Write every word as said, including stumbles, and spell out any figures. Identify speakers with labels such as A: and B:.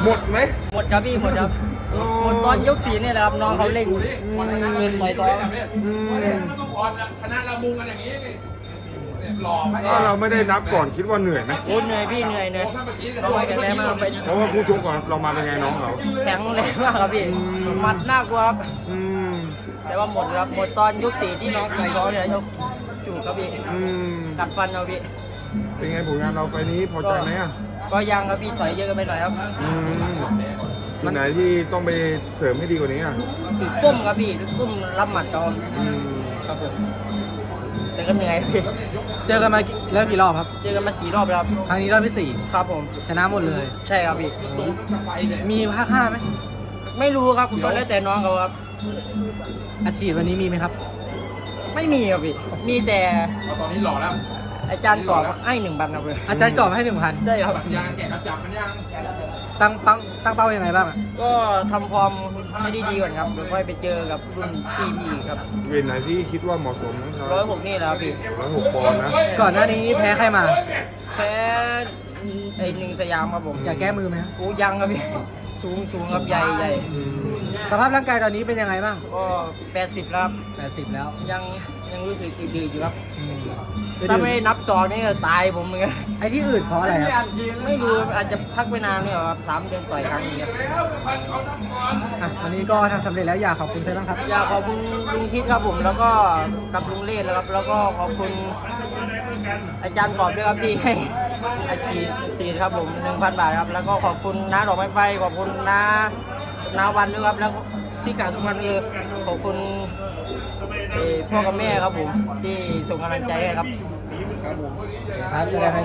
A: หมดไหม
B: หมดครับพี่หมดครับหมดตอนยกสีนี่แหละครับน้องเขาเล่งเป็นต่อยท้อง
A: อืม
C: ชนะเราบุงกันอย่างนี้หล่อไหม
A: ถ้าเราไม่ได้นับก่อนคิดว่าเหนื่อยไหม
B: โอ้เหนื่อยพี่เหนื่อยเหนื่อยน้องไปกันแรงมากไป
A: เพราะว่าคู่ชกก่อนเรามาเป็นไงน้องเขา
B: แข็งแรงมากครับพี่หมัดน่ากลัวครับ
A: อืม
B: แต่ว่าหมดครับหมดตอนยกสีที่น้องต่อยท้องเนี่ยยกจูบครับพี่
A: อืม
B: กัดฟันเอาพี่
A: เป็นไงผลงานเราไฟล์นี้พอใจไหมอ่ะ
B: ก็ยังครับพี่ถอยเยอะกันไปหน่อยครับ
A: อืมจุดไหนที่ต้องไปเสริมให้ดีกว่านี้อ่ะ
B: จุดตุ้มครับพี่จุดตุ้มรับหมัดจอม
A: อืม
B: ครับผมแต่ก็เหนื่อยพี่
D: เจอกันมาแล้วกี่รอบครับ
B: เจอกันมาสี่รอบแล้วครับ
D: ครั้งนี้รอบที่สี่
B: ครับผม
D: ชนะหมดเลย
B: ใช่ครับพี่
D: มีภาคห้าไหม
B: ไม่รู้ครับก็แล้วแต่น้องเขาครับ
D: อาชีพวันนี้มีไหมครับ
B: ไม่มีครับพี่มีแต่
C: ตอนนี้หล่อแล้ว
B: อาจารย์กรอบให้หนึ่งพันครับเลย
D: อาจารย์กรอบให้หนึ่งพัน
B: ใช่ครับ
C: ยางแกะกระจับมันยัง
D: ตั้งปังตั้งเป้ายังไงบ้างอะ
B: ก็ทำฟอร์มให้ดีๆก่อนครับแล้วค่อยไปเจอกับรุ่นพี่พี่ครับ
A: เวทไหนที่คิดว่าเหมาะสมของเรา
B: ร้อยหกนี่แหละครับพี่
A: ร้อยหกปอนด์นะ
D: ก่อนหน้านี้แพ้ใครมา
B: แพ้ไอหนึ่งสยามครับผม
D: อยากแก้มือไหมครับ
B: กูยังครับพี่สูงสูงครับใหญ่ใหญ่
A: อืม
D: สภาพร่างกายตอนนี้เป็นยังไงบ้าง
B: ก็แปดสิบแล้วครับ
D: แปดสิบแล้ว
B: ยังยังรู้สึกดีๆอยู่ครับ
D: อืม
B: ถ้าไม่นับซองนี่ก็ตายผมเหมือนกัน
D: ไอ้ที่อื่นเพราะอะไรครับ
B: ไม่รู้อาจจะพักไปนานเนี่ยครับสามเดือนต่อยครั้งนี้ครับ
D: อ่ะวันนี้ก็ทำสำเร็จแล้วอยากขอบคุณใครบ้างครับ
B: อยากขอบคุณลุงทิศครับผมแล้วก็กับลุงเล่แล้วครับแล้วก็ขอบคุณอาจารย์กอบด้วยครับที่ให้อาชีพฉีดครับผมหนึ่งพันบาทครับแล้วก็ขอบคุณน้าดอกไม้ไฟขอบคุณน้าน้าวันด้วยครับแล้วที่กล่าวสำคัญคือขอบคุณเอ่อพ่อกับแม่ครับผมที่ส่งกำลังใจให้ครับ
D: ครับจะได้